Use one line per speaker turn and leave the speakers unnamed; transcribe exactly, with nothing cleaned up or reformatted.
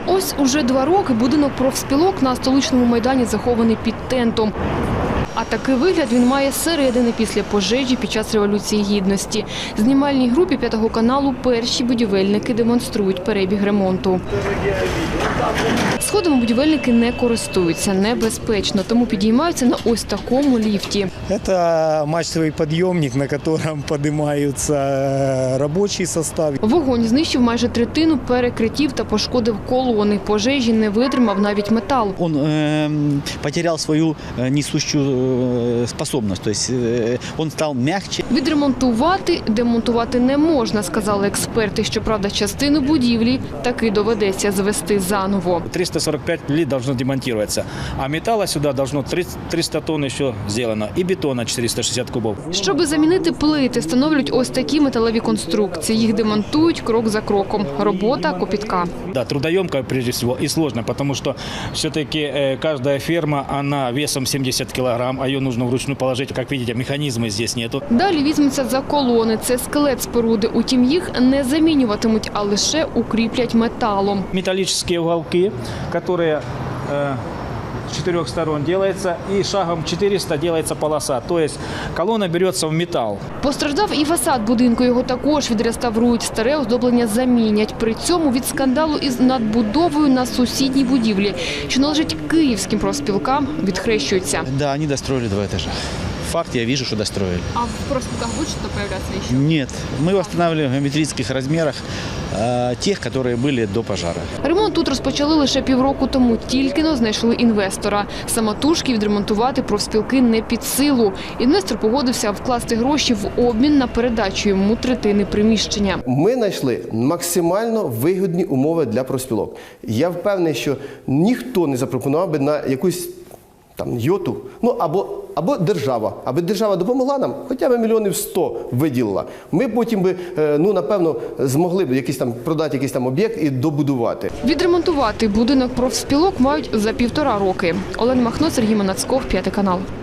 Ось уже два роки будинок профспілок на столичному майдані захований під тентом. А такий вигляд він має зсередини після пожежі під час Революції Гідності. Знімальній групі п'ятого каналу перші будівельники демонструють перебіг ремонту. Сходами будівельники не користуються, небезпечно, тому підіймаються на ось такому ліфті.
Це мачтовий підйомник, на якому підіймаються робочий состав.
Вогонь знищив майже третину перекриттів та пошкодив колони. Пожежі не витримав навіть метал.
Він е, потеряв свою несущу способність, тобто він став м'якше.
Відремонтувати, демонтувати не можна, сказали експерти. Щоправда, частину будівлі таки доведеться звести заново.
триста сорок пять плит должно демонтироваться, а металла сюда должно триста тонн ще зроблено і бетона чотириста шістдесят кубов.
Щоби замінити плити, встановлюють ось такі металеві конструкції. Їх демонтують крок за кроком. Робота копітка.
Да, трудоемко прежде всего и сложно, потому что все-таки э, каждая ферма, она весом сімдесят килограмм, а ее нужно вручную положить. Как видите, механизма здесь нету.
Далі візьмуться за колони. Це скелет споруди. Утім, їх не замінюватимуть, а лише укріплять металом.
Металлические уголки, которые э, с четырех сторон делается, и шагом четыреста делается полоса. То есть колонна берется в металл.
Постраждав і фасад будинку. Його також відреставрують. Старе оздоблення замінять. При цьому від скандалу із надбудовою на сусідній будівлі, що належить київським профспілкам, відхрещуються.
Да, они достроили два этажа. Факт, я вижу, что достроили.
А в профспілках буде щось появляться ще?
Нет, мы восстанавливаем в геометрических размерах э, тех, которые были до пожара.
Ремонт тут розпочали лише півроку тому. Тільки-но знайшли інвестора. Самотужки відремонтувати профспілки не під силу. Інвестор погодився вкласти гроші в обмін на передачу йому третини приміщення.
Ми знайшли максимально вигідні умови для профспілок. Я впевнений, що ніхто не запропонував би на якусь там йоту, ну або, або держава, аби держава допомогла нам, хоча б мільйонів сто виділила. Ми потім би, ну напевно, змогли б якийсь там продати якийсь там об'єкт і добудувати.
Відремонтувати будинок профспілок мають за півтора роки. Олена Махно, Сергій Манацьков, п'ятий канал.